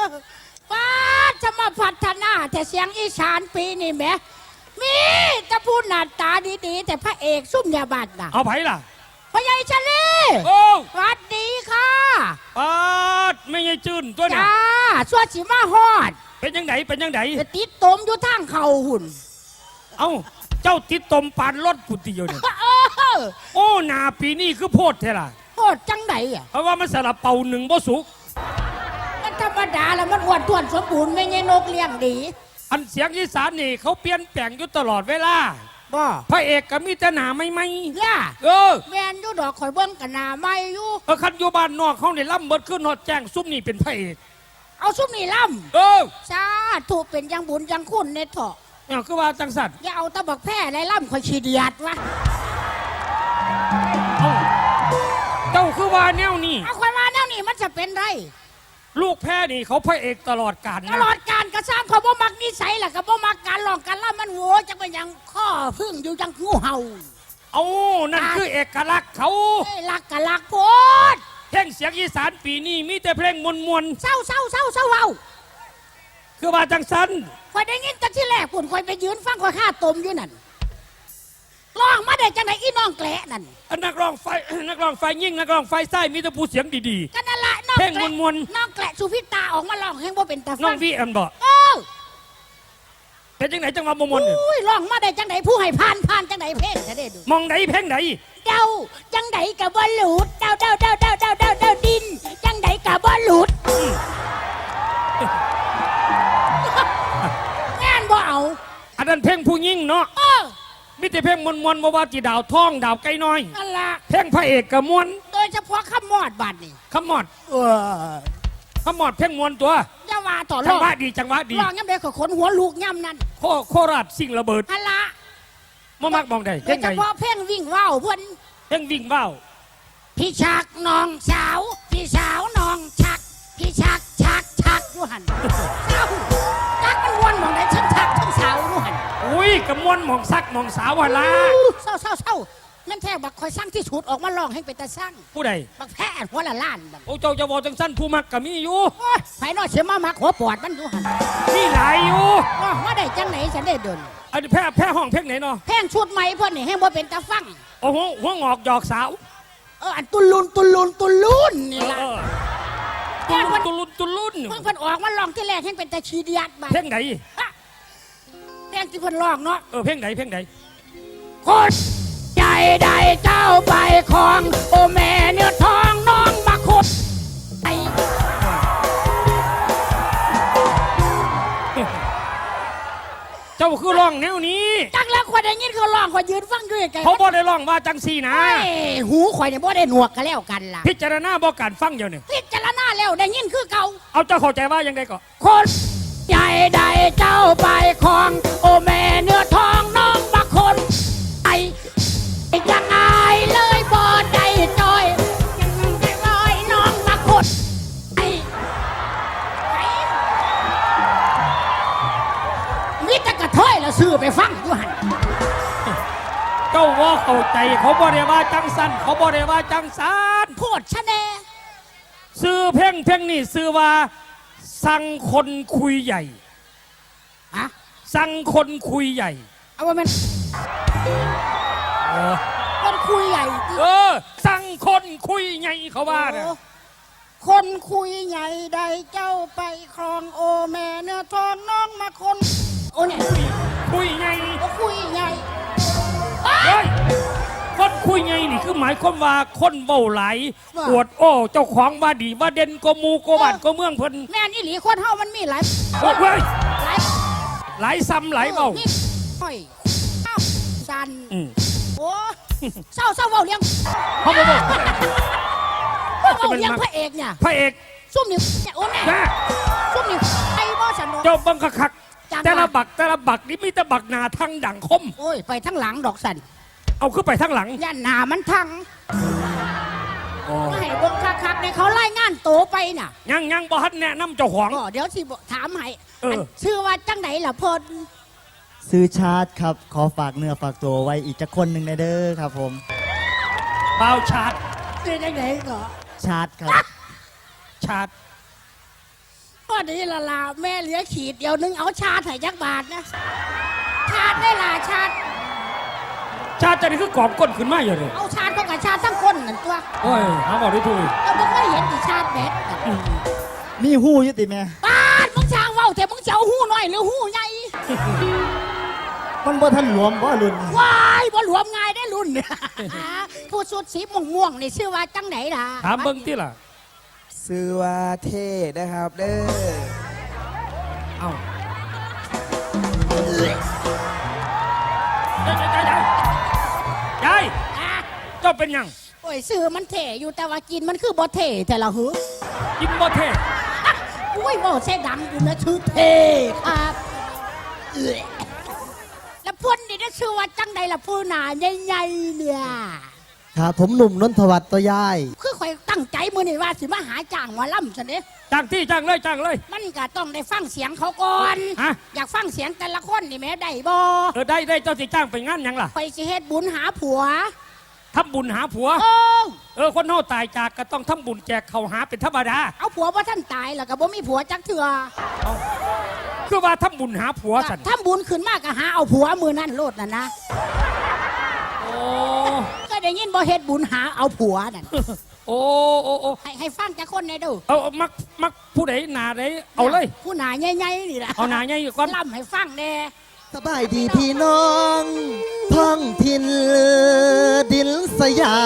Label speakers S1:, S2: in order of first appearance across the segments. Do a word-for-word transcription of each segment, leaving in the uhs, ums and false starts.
S1: ป้าจะมาพัฒนาแต่เสียงอีสานปีนี่แหมมีจะพูดหน้าตาดีๆแต่พระเอกซุ่มยาบัดน่ะ
S2: เอาไผล่ะ
S1: พญายชลี
S2: โอ้
S1: สวัสดีค่ะ
S2: ปาดไม่ใช่จืนตัวน่ะ
S1: จ้าสวดสิมาฮอด
S2: เป็นยังไงเป็นยังไง
S1: ติดตมอยู่ทางเข่าหุ่น
S2: เอ้าเจ้าติดตมปานรถกุฏิอยู่เนี่ยโอ้หนาปีนี้คือโพดเท่ล่ะ
S1: โพดจังไหนอ่ะ
S2: เพราะว่ามันสลับเป่าหนึ่งบ่สุก
S1: มันธรรมดาแล้วมันอ้วนท้วนสมบูรณ์ไม่ใช่นกเลี้ยงดี
S2: อันเสียงอีสานนี่เขาเปลี่ยนแปลงอยู่ตลอดเวลา
S1: บ่
S2: พระเอกก็มีแต่หนาไม่ไม่
S1: ย่า
S2: เออ
S1: แมนอยู่ดอกข่อยเบิ้งกันหนาไม่อยู่
S2: เออคันอยู่บ้านนอกเขาเนี่ยล่ำเบิดขึ้นนอดแจ้งซุ่มนี่เป็นพระเอก
S1: เอาซุ่มนี่ล่ำ
S2: เออ
S1: สาธุเป็นยังบุญยังคุณในเถาะ
S2: เนี่ยคือว่าจังสัตว์
S1: อย่าเอาตะบักแพร่ไรล่ำข่อยขี้เดียดวะ
S2: เจ้าคือว่าแนวนี่
S1: เอาข่อยว่าแนวนี่มันจะเป็นไร
S2: ลูกแพ้นี่เขาพระเอกตลอดกาล
S1: ตลอดการกระซ้ำเขาบ่มักนิสัยแหละเขาบ่มักการหลอกการล่ำมันโง่จะเป็นยังข้อพึ่งอยู่ยังงูเห่า
S2: เอานั่นคือเอกลักษณ์เขา
S1: ลักกะลักโพด
S2: เพลงเสียงอีสานปีนี้มีแต่เพลงมวลมวล
S1: เศร้าเศร้าเศร้าเศร้าเอา
S2: คือว่าจังสัน
S1: คอยได้ยินแต่ที่แรกปุ่นคอยไปยืนฟังคอยฆ่าตมอยู่นั่นร้องมาได้จังไหนอีน้องแกละนั่น
S2: นักร้องไฟนักร้องไฟยิ่งนักร้องไฟไส้มีแต่ผู้เสียงดี
S1: ๆกันนั่นละน้อง
S2: เพลงมวลมวล
S1: น้องแกละสุพิตาออกมาร้องเพลงบ่เป็นตาฟัง
S2: น้องพี่อันบอก
S1: เออ
S2: เป็นจังไหนจังหวะมวลมวล
S1: อุ้ยร้องมาได้จังไหนผู้ให้ผ่านผ่านจังไหนเพลงจะได้ดู
S2: มองไหนเพลงไหน
S1: เดาจังไหนกับบอลลูดเดาเดาเดาเดาเดาเดาเดาดินจังไหนกับบอลลูดงานบ่เอา
S2: อันนั้นเพลงผู้ยิ่งเนาะมิแต่เพลงมวลมวลว่าจีดาวท้องดาวไก่น้อย
S1: นั่นละ
S2: เพลงพระเอกกับมวล
S1: โดยเฉพาะขมอดบัดนี่
S2: ขมอดเออขมอดเพลงมวลตัว
S1: อย่าว่าต่อ
S2: จังหวะดีจังหวะดี
S1: ร้องย่ำเด็กขนหัวลูกย่ำนั่น
S2: โคโคราชสิ่งระเบิด
S1: นั่นละ
S2: มามักมองได้
S1: โดยเฉพาะเพลงวิ่งว่าวเพื่อน
S2: เพลงวิ่งว่าว
S1: พี่ชักน้องสาวพี่สาวน้องชักพี่ชักชักชักยูหันเศร้าชักมันวนมองได้ชักชักทั้งสาวยูหัน
S2: อุ้ยกับมวนมองซักมองสาววันละ
S1: เศร้าเศร้าเศร้านั่นแท้บักคอยสร้างที่ฉุดออกมาลองให้เป็นตาสร้าง
S2: ผู้ใด
S1: บักแพ้หัวละล้าน
S2: โอ้เจ้าจะบอกจังสั้นผู้มักกับมีอยู่
S1: ไผ่นอเสียมามักหัวปอดมันอยู่หัน
S2: มีหลายอยู่
S1: มาได้จังไหนฉันได้เดิน
S2: อันนี้แพ้แพ้ห้องเพลงไหนเนาะ
S1: เพลงชุดใหม่เพื่อนนี่ให้บ่เป็นตาฟัง
S2: โอ้โหหัวงอกหยอกสาว
S1: เอออันตุลุนตุลุนตุลุนนี่ละ
S2: ตุลุนตุลุนตุลุน
S1: เพิ่งเพิ่นออกมาลองที่แรกให้เป็นตาชีเดียดมา
S2: เพลงไหน
S1: เพลงที่เพิ่นลองเนาะ
S2: เออเพลงไหนเพลงไหน
S1: โคตรใจใดเจ้าไปของโอแม่เนื้อทองน้องมาโคตรไอ
S2: เจ้าคือร้องแนวนี้
S1: จังแล้วข่อยได้ยินเขาร้องข่อยยืนฟังด้วยกัน
S2: เขาบ่ได้ร้องว่าจังสีนะ
S1: หูข่อยเนี่ยบ่ได้หนวกกันแล้วกันล่ะ
S2: พิจารณาบ่การฟังอยู่เนี่ย
S1: พิจารณาแล้วได้ยินคือเก่า
S2: เอาเจ้าเข้าใจว่ายังไงก็
S1: คนใหญ่ใดเจ้าไปของโอแม่เนื้อทองน้องมาคนไอยังไงเลยบ่ได้จอยยังได้ลอยน้องมาคนไอมิตรกระเทยแล้วซื้อไปฟังอยู่หัน
S2: เจ้าว่าเข้าใจเขาบ่ได้ว่าจังสันเขาบ่ได้ว่าจังสัน
S1: โพดชะแน
S2: ซื้อเพลงเพลงนี่ซื้อว่าสั่งคนคุยใหญ่
S1: อะ
S2: สั่งคนคุยใหญ่
S1: เอาว่ามันคนคุยใหญ่
S2: เออสั่งคนคุยใหญ่เขาว่าเนี่ย
S1: คนคุยใหญ่ใดเจ้าไปครองโอแม่เนื้อทองน้องมาคนโอ้เนี่ย
S2: คุยใหญ่
S1: คุยใหญ่
S2: คนคุยไงนี่คือหมายความว่าคนเว้าไหลปวดโอ้เจ้าของว่าดีว่าเด่นก็มูก็บ้านก็เมืองเพิ่น
S1: แม่นี่หลีคนเฮามันมีหลาย
S2: โอ้ยหลายหลายซ้ำหลายเว้า
S1: โอ้ยสันโอ้เศร้าเศร้าเว้าเลี้ยง
S2: เขาบอก
S1: ว่าเว้าเลี้ยงพระเอกเนี่ย
S2: พระเอก
S1: ซุ่มนี่โอ้แม่ซุ่มนี่ไอ้บ่สนุก
S2: เจ้าบังคักแต่ละบักแต่ละบักนี่มีแต่บักหนาทั้งดังคม
S1: โอ้ยไปทั้งหลังดอกสัน
S2: เอาขึ้นไปทั้งหลัง
S1: ย่านหนามันทั้งไม่ให้บงคักๆในเขาไล่งานโตไปน่ะ
S2: ยังยังบ่ฮัดแนะนำเจ้าของ
S1: เดี๋ยวสิถามให้ชื่อว่าจังไหนล่ะพล
S3: ซื้อชาร์ตครับขอฝากเนื้อฝากตัวไว้อีกจะคนหนึ่งในเด้อครับผม
S2: เปล่าชาร์ต
S1: ซื้อจังไหนก็
S3: ชาร์ตครับ
S2: ชาร์ต
S1: ปพอดีละล่ะแม่เหลือขีดเดียวนึงเอาชาติให้จักบาทนะชาติได้ล่ะชาติ
S2: ชาติจะนี่คือกรอบก้นขึ้นมาอยู่เลย
S1: เอาชาติก็กับชาติทั้งคนนั่นตัว
S2: โอ้ยหาบอกได้ถูก
S1: เราไม่เคยเห็นที่ชาติแบด
S3: มีหู้อยุติแม่
S1: บ้านมึงช่างเว้าแต่มึงจะเอาหู้น้อยหรือหู้ใหญ่
S3: มันบ่ทันหลวมบ่รุ่น
S1: ว้ายบ่หลวมง่ายได้รุ่นเนี่ยผู้สุดสีม่วงม่วงๆนี่ชื่อว่าจังไหนล่ะ
S2: ถามเบิ้งที่ล่ะ
S4: ซื้อว่าเท่นะครับเด้อ
S2: เอ้าได้ได้ได้ยาย
S1: อ่ะ
S2: เจ้าเป็นหยัง
S1: โอ้ยซื้อมันเท่อยู่แต่ว่ากินมันคือบ่เท่แต่ละหือ
S2: กินบ่เท่
S1: อุ้ยบ่เส้ดังอยู่นะชื่อเท่ครับเอ้ยแล้วพุ่นนี่นะชื่อว่าจังใดล่ะผู้หนาใหญ่ๆเนี่ย
S5: ครับผมหนุ่มนนทวัฒน์ตัวยาย
S1: คือข่อยตั้งใจมือนี่ว่าสิมาหาจ้างหมาล่ำสันเด้
S2: จ้างที่จ้างเลยจ้างเลย
S1: มันก็ต้องได้ฟังเสียงเขาก่อน
S2: ฮะ
S1: อยากฟังเสียงแต่ละคนนี่แหม่ได้บ่
S2: เออได้ได้เจ้าสิจ้างไปงานหยังล่ะ
S1: ข่อยสิเฮ็ดบุญหาผัว
S2: ทำบุญหาผัว
S1: โอ้
S2: เออคนเฮาตายจากก็ต้องทำบุญแจกเขาวหาเป็นธรรมดา
S1: เอาผัวว่าท่านตายแล้วก็บ่มีผัวจักเถื่อ
S2: คือว่าทำบุญหาผัวสัน
S1: ถ้าบุญขึ้นมากก็หาเอาผัวมือนั่นโลดน่ะนะ
S2: โอ้
S1: ก็ได้ยินบ่เฮ็ดบุญหาเอาผัวนั่น
S2: โอ้โอ้โอ้
S1: ให้ให้ฟังจักคนได้ดู
S2: เอาเอามักมักผู้ใดหนาใดเอาเลย
S1: ผู้หนาใหญ่ๆนี่ล่ะ
S2: เอาหนาใหญ่ก่อน
S1: ล่ำให้ฟังแน่
S5: สบายดีพี่น้องท้องถิ่นดินสยาม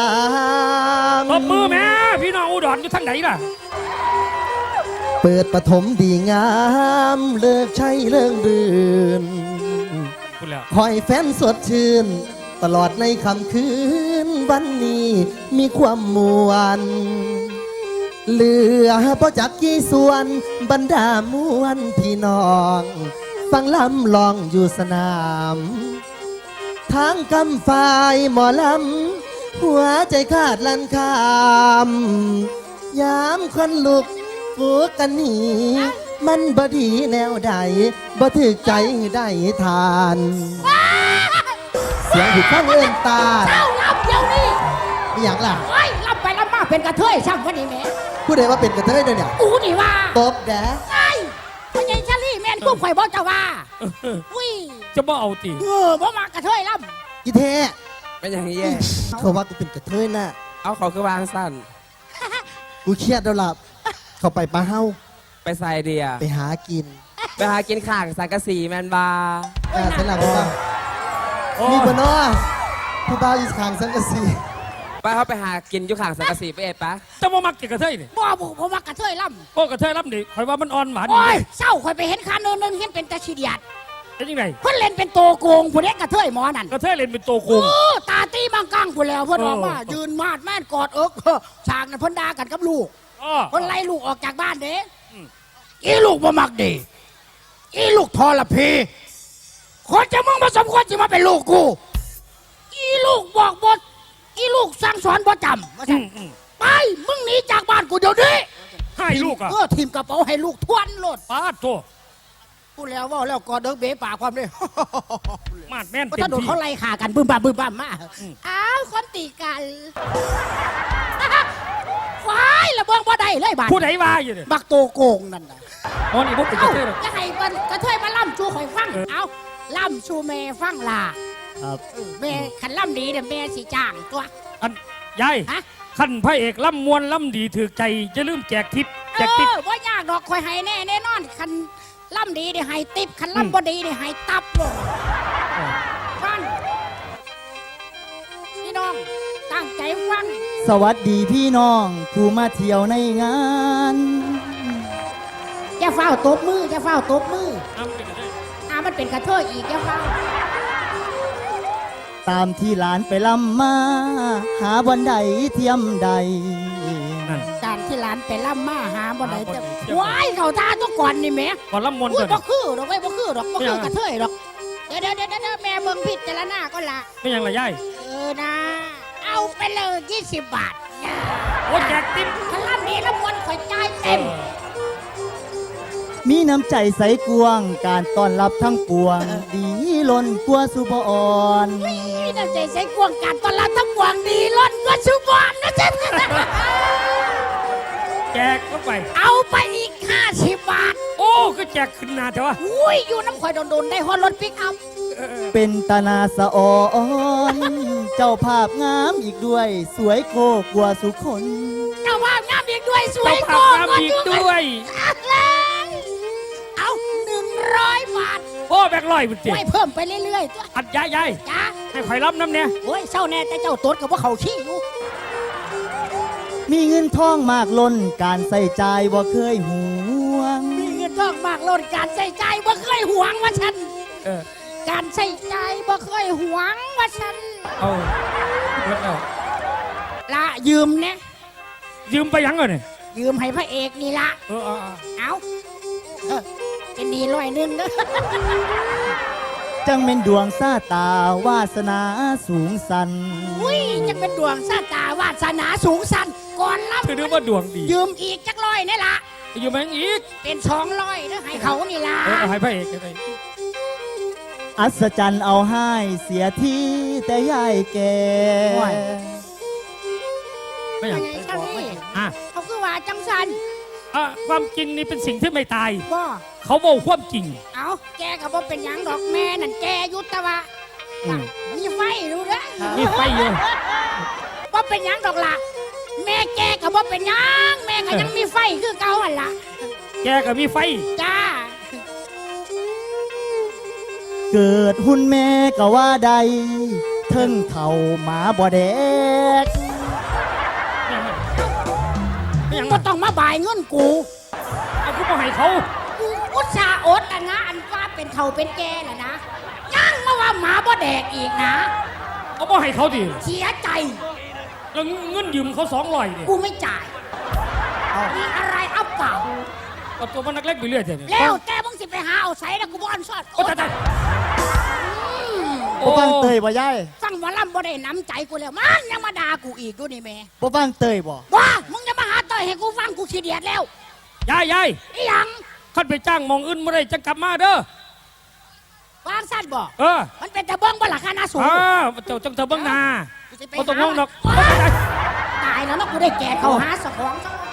S2: ตบมือแม่พี่น้องอุดรอยู่ทางไหนล่ะ
S5: เปิดปฐมดีงาม เลิกใช้เรื่องดื่น
S2: พูดแล้ว
S5: คอยแฟนสดชื่น ตลอดในค่ำคืน วันนี้มีความมวลเหลือพอจักกี่ส่วนบรรดามวลพี่น้อง ฟังลำลองอยู่สนามทางกำฝ่ายหมอลำหัวใจขาดลันคามยามคนลุกฟูกันหนีมันบดีแนวใดบ่ถึกใจได้ทาน เสียงผิดข้างเอื้อนตา
S1: เจ้าล่ำเดี๋ยวนี้
S5: อหย่างล่ะ
S1: โอ้ยล่ำไปล่ำมาเป็นกระเทยช่างวันนี้แหม่
S5: ผู้ใดว่าเป็นกระเทยเด้อเนี่ย
S1: กูนี่ว่า
S5: ตบแดะ
S1: ไอ้พ่อใหญ่ชาลี่แม่นกุ้งข่อยบอกจะว่าอุ้ย
S2: จะบ่เอาตี
S1: เออบ่มากระเทยล่
S5: อีเท
S4: เป็นอย่างนี้แย่
S5: เขาว่ากูเป็นกระเทยน่ะ
S4: เอาเขาคือวางสั้น
S5: กูเครียดแล้วล่ะเขาไปปลาเฮา
S4: ไปใส่เดีย
S5: ไปหากิน
S4: ไปหากินข่างสังกะสีแมนบา
S5: อ่าสลับกัน
S2: โอ้
S5: มีบนน้อผู้บ่าวอีสขางสังกะสี
S4: ไปเขาไปหากินอยู่ข่างสังกะสีไปเอ็ดปะ
S2: จะบ่มักกินกระเทยนี่
S1: ำบ่บ่บ่มากระเทยล่
S2: โอ้กระเทยรับดิข่อยว่ามันอ่อนหวาน
S1: ำโอ้ยเศร้าข่อยไปเห็นคาเนินนึงเห็นเป็นตาชีเดียด
S2: เป็นยังไง
S1: เพิ่นเล่นเป็นโตโกงผู้เด็กกระเทยหมอนั่น
S2: กระเทยเล่นเป็นตัวโกง
S1: โอ้ตาตีมังกังผู้แล้วเพิ่น
S2: เออ
S1: ออกมายืนมาดแม่นกอดเอิกฉากนั้นเพิ่นด่ากันกับลูก
S2: อ้อ
S1: เพิ่นไล่ลูกออกจากบ้านเด้
S2: อืม
S1: อีลูกบ่มักดีอีลูกทรพีคนจะมึงมาสมควรจะมาเป็นลูกกูอีลูกบอกบทอีลูกสั่งสอนบ่จำว่า
S2: อื
S1: ซั่น
S2: มอืม
S1: ไปมึงหนีจากบ้านกูเดี๋ยวนี้
S2: ให้ลูกอ่ะ
S1: เออทีมกระเป๋าให้ลูกทวนโลด
S2: ป้าดตัว
S1: พูดแล้วว่าแล้วกอดเดิกเบ๋ปากความเลย
S2: มาดแม่น
S1: เพราะ
S2: เต็
S1: ถ้าม โดน
S2: ที่
S1: เขาไล่ขากันบึ้มบ้ามบึ้มบ้ามมาอ้าวคนตีกันว้ายระเบิงบ่ได้เลยบาด
S2: ผู้ใดว่าอยู่เนี่ย
S1: บักโตโกงนั่นน่ะ
S2: อ๋อนี่พวกเป็นก
S1: เอ้า
S2: ระเทยเหรอ
S1: จะให้มันกระเทยมาล่ำชูข่อยฟัง
S2: เออ
S1: เอาล่ำชูแม่ฟังล่ะ
S3: ครับ
S1: เออแม่ขันล่ำดีเดี๋ยวแม่สิจ้างตัว
S2: อันยาย
S1: ฮะ
S2: ขั้นพระเอกล่ำมวนล่ำดีถือใจจะลืมแจกทิป
S1: เอ
S2: แจกทิป
S1: อว่ายากดอกข่อยให้แน่แน่นอนขันล่ำดีเดี๋ยวให้ติบขันล่ำบ่ดีเดี๋ยวให้ตับเลยฟังพี่น้องตั้งใจฟัง
S3: สวัสดีพี่น้องผู้มาเที่ยวในงาน
S1: อย่าเฝ้าตบมืออย่าเฝ้าตบมือ
S2: อ้าวเป็นกระเทย
S1: อ่ามันเป็นกระเทยอีกอย่าเฝ้า
S3: ตามที่หลานไปลำมา หาวันใดเทียมใด
S2: นั่น
S1: การที่หลานไปล่ำมาหาบ่ได้
S2: หาบ่
S1: จะ
S2: ได้เจ้า
S1: ว้ายเขาท่าต้องก่อนนี่แหม่
S2: ก่อนล่ำมวน
S1: อุ้
S2: เถ
S1: ย
S2: อะ
S1: บ่คือดอกไว้ยบ่คือดอกบ่
S2: ไม่
S1: คื
S2: เอา
S1: อกระเทยดอกเดี๋ยวเดี๋ยวเดี๋ยวเดี๋ยวแม่เบิ่งพิจารณาก็ละ
S2: ไม่ยังละยาย
S1: เออนะ เอาไปเลยยี่สิบบาท
S2: โอ้แจกทิป
S1: พลังนี้ละมวนข่อยจ่ายเต็ม
S3: มีน้ำใจใสกวง การต้อนรับทั้งปวง ดีล้นกลัวสุบอ่อน
S1: นี่น้ำใจใส่กวงการตอนรับทั้งกวงดีล้นกว่าชุบอนนะจ๊ะ
S2: แจกเข้าไป
S1: เอาไปอีกห้าสิบบาท
S2: โอ้ก็แจกขึ้นหนาแต่ว่า
S1: อุ้ยอยู่น้ำข่อยโดนๆได้ฮอดรถปิกอัพ
S3: เป็นตานาสะออนเจ้าภาพงามอีกด้วย สวยโกกว่าสุคน
S1: เจ้าภาพงามอีกด้วยสว
S2: เจ้าย ภา
S1: โก
S2: พ
S1: ง
S2: งามอีกด้วย
S1: เอาหนึ่งร้อยบาท
S2: โอ้แบกลอยมันเจ็บ
S1: ไว้เพิ่มไปเรื่อยๆตัว
S2: อัดยายยาย
S1: จ้า
S2: ให้ข่อยรับน้ำเนี่ย
S1: โอ้ยเศร้าแน่แต่เจ้าตดกับว่าเขาขี้อยู่
S3: มีเงินทองมากล้นการใส่ใจายบ่เคยหวง
S1: มีเงินทองมากล้นการใส่ใจบ่เคยหวงว่าฉัน
S2: เออ
S1: การใส่ใจบ่เคยหวงว่าฉัน
S2: เอาเบิดแล้ว
S1: ละยืมเนี่ย
S2: ยืมไปยังก่อนเนี่ย
S1: ยืมให้พระเอกนี่ละ
S2: เออเอาเอา
S1: เอาเออเป็นดีร้อยหนึงเด้อ
S3: จังเป็นดวงซาตาวาสนาสูงสัน
S1: อุ้ยจะเป็นดวงสาตาวาสนาสูงสันก่อนรับ
S2: ถือว่าดวงดี
S1: ยืมอีกจักร้อยนี่ละ
S2: ยืมแมงอีก
S1: เป็นสองร้อยเด้อให้เขานี่ละ
S2: เออเอาให้พระเอกไป
S3: อัศจรรย์เอาให้เสียที่แต่ยายแก
S2: ไม่อย่าง
S1: ไงเจ้านี่
S2: อ่ะ
S1: เขาคือว่าจังสัน
S2: อ่ะความจริงนี่เป็นสิ่งที่ไม่ตาย
S1: บ่
S2: เขาบอกความจริง
S1: เอาแกก็บ่เป็นหยังดอกแม่นั่นแกอยุตะวะ
S2: อืม
S1: มีไฟรู้เด้อ
S2: มีไฟอยู่
S1: บ่เป็นหยังดอกล่ะแม่แกก็บ่เป็นหยังแม่ก็ยังมีไฟคือเก่าหั่นล่ะ
S2: แกก็มีไฟ
S1: จ้า
S3: เกิดหุ่นแม่ก็ว่าใดเทิงเท่าหมาบ่แดก
S2: ไม่อย่าง
S1: ก็
S2: นั้น
S1: ต้องมาบ่ายเงินกู
S2: เอากูบอกให้เขา
S1: กูอุตส่าห์อดอ่ะนะอันว่าเป็นเฒ่าเป็นแก่ล่ะนะยังมาว่าหมาบ่แดกอีกนะ
S2: เอาบอกให้เขาดิ
S1: เสียใจ
S2: แล้วเงินยืมเขาสองร้อยเนี่ย
S1: กูไม่จ่ายมีอะไรอัปเปล่า
S2: เอาตัวมันนักเล็กไปเรื่อยเถอะเนี่ย
S1: แล้วแกมึงสิไปหาเอาใส่แล้วกูบ่อันซอด
S2: โอ้ตายตาย
S3: บ่ฟังเตยบ่ยาย
S1: ฟังหมอลำบ่ได้น้ำใจกูแล้วมันยังมาด่ากูอีกดูนี่แม่
S3: บ่ฟังเตยบ่
S1: ว่ามึงจะมาหาต่อยให้กูฟังกูขี้เดียดแล้ว
S2: ยายยาย
S1: อีหยัง
S2: ขันไปจ้างหมองอื่นไม่ได้จะกลับมาเด้อ
S1: วางสั้นบ่
S2: เออ
S1: มันเป็นตะเบิ้งบ่ล่ะคณะสูง
S2: อ้าวเจ้าจังเธอเบิ้งหนา
S1: กูสิไป
S2: บ่ต้อง
S1: หา
S2: ห่วงดอก
S1: ตายแล้วเนาะกูได้แก่เขาหาสะของซะ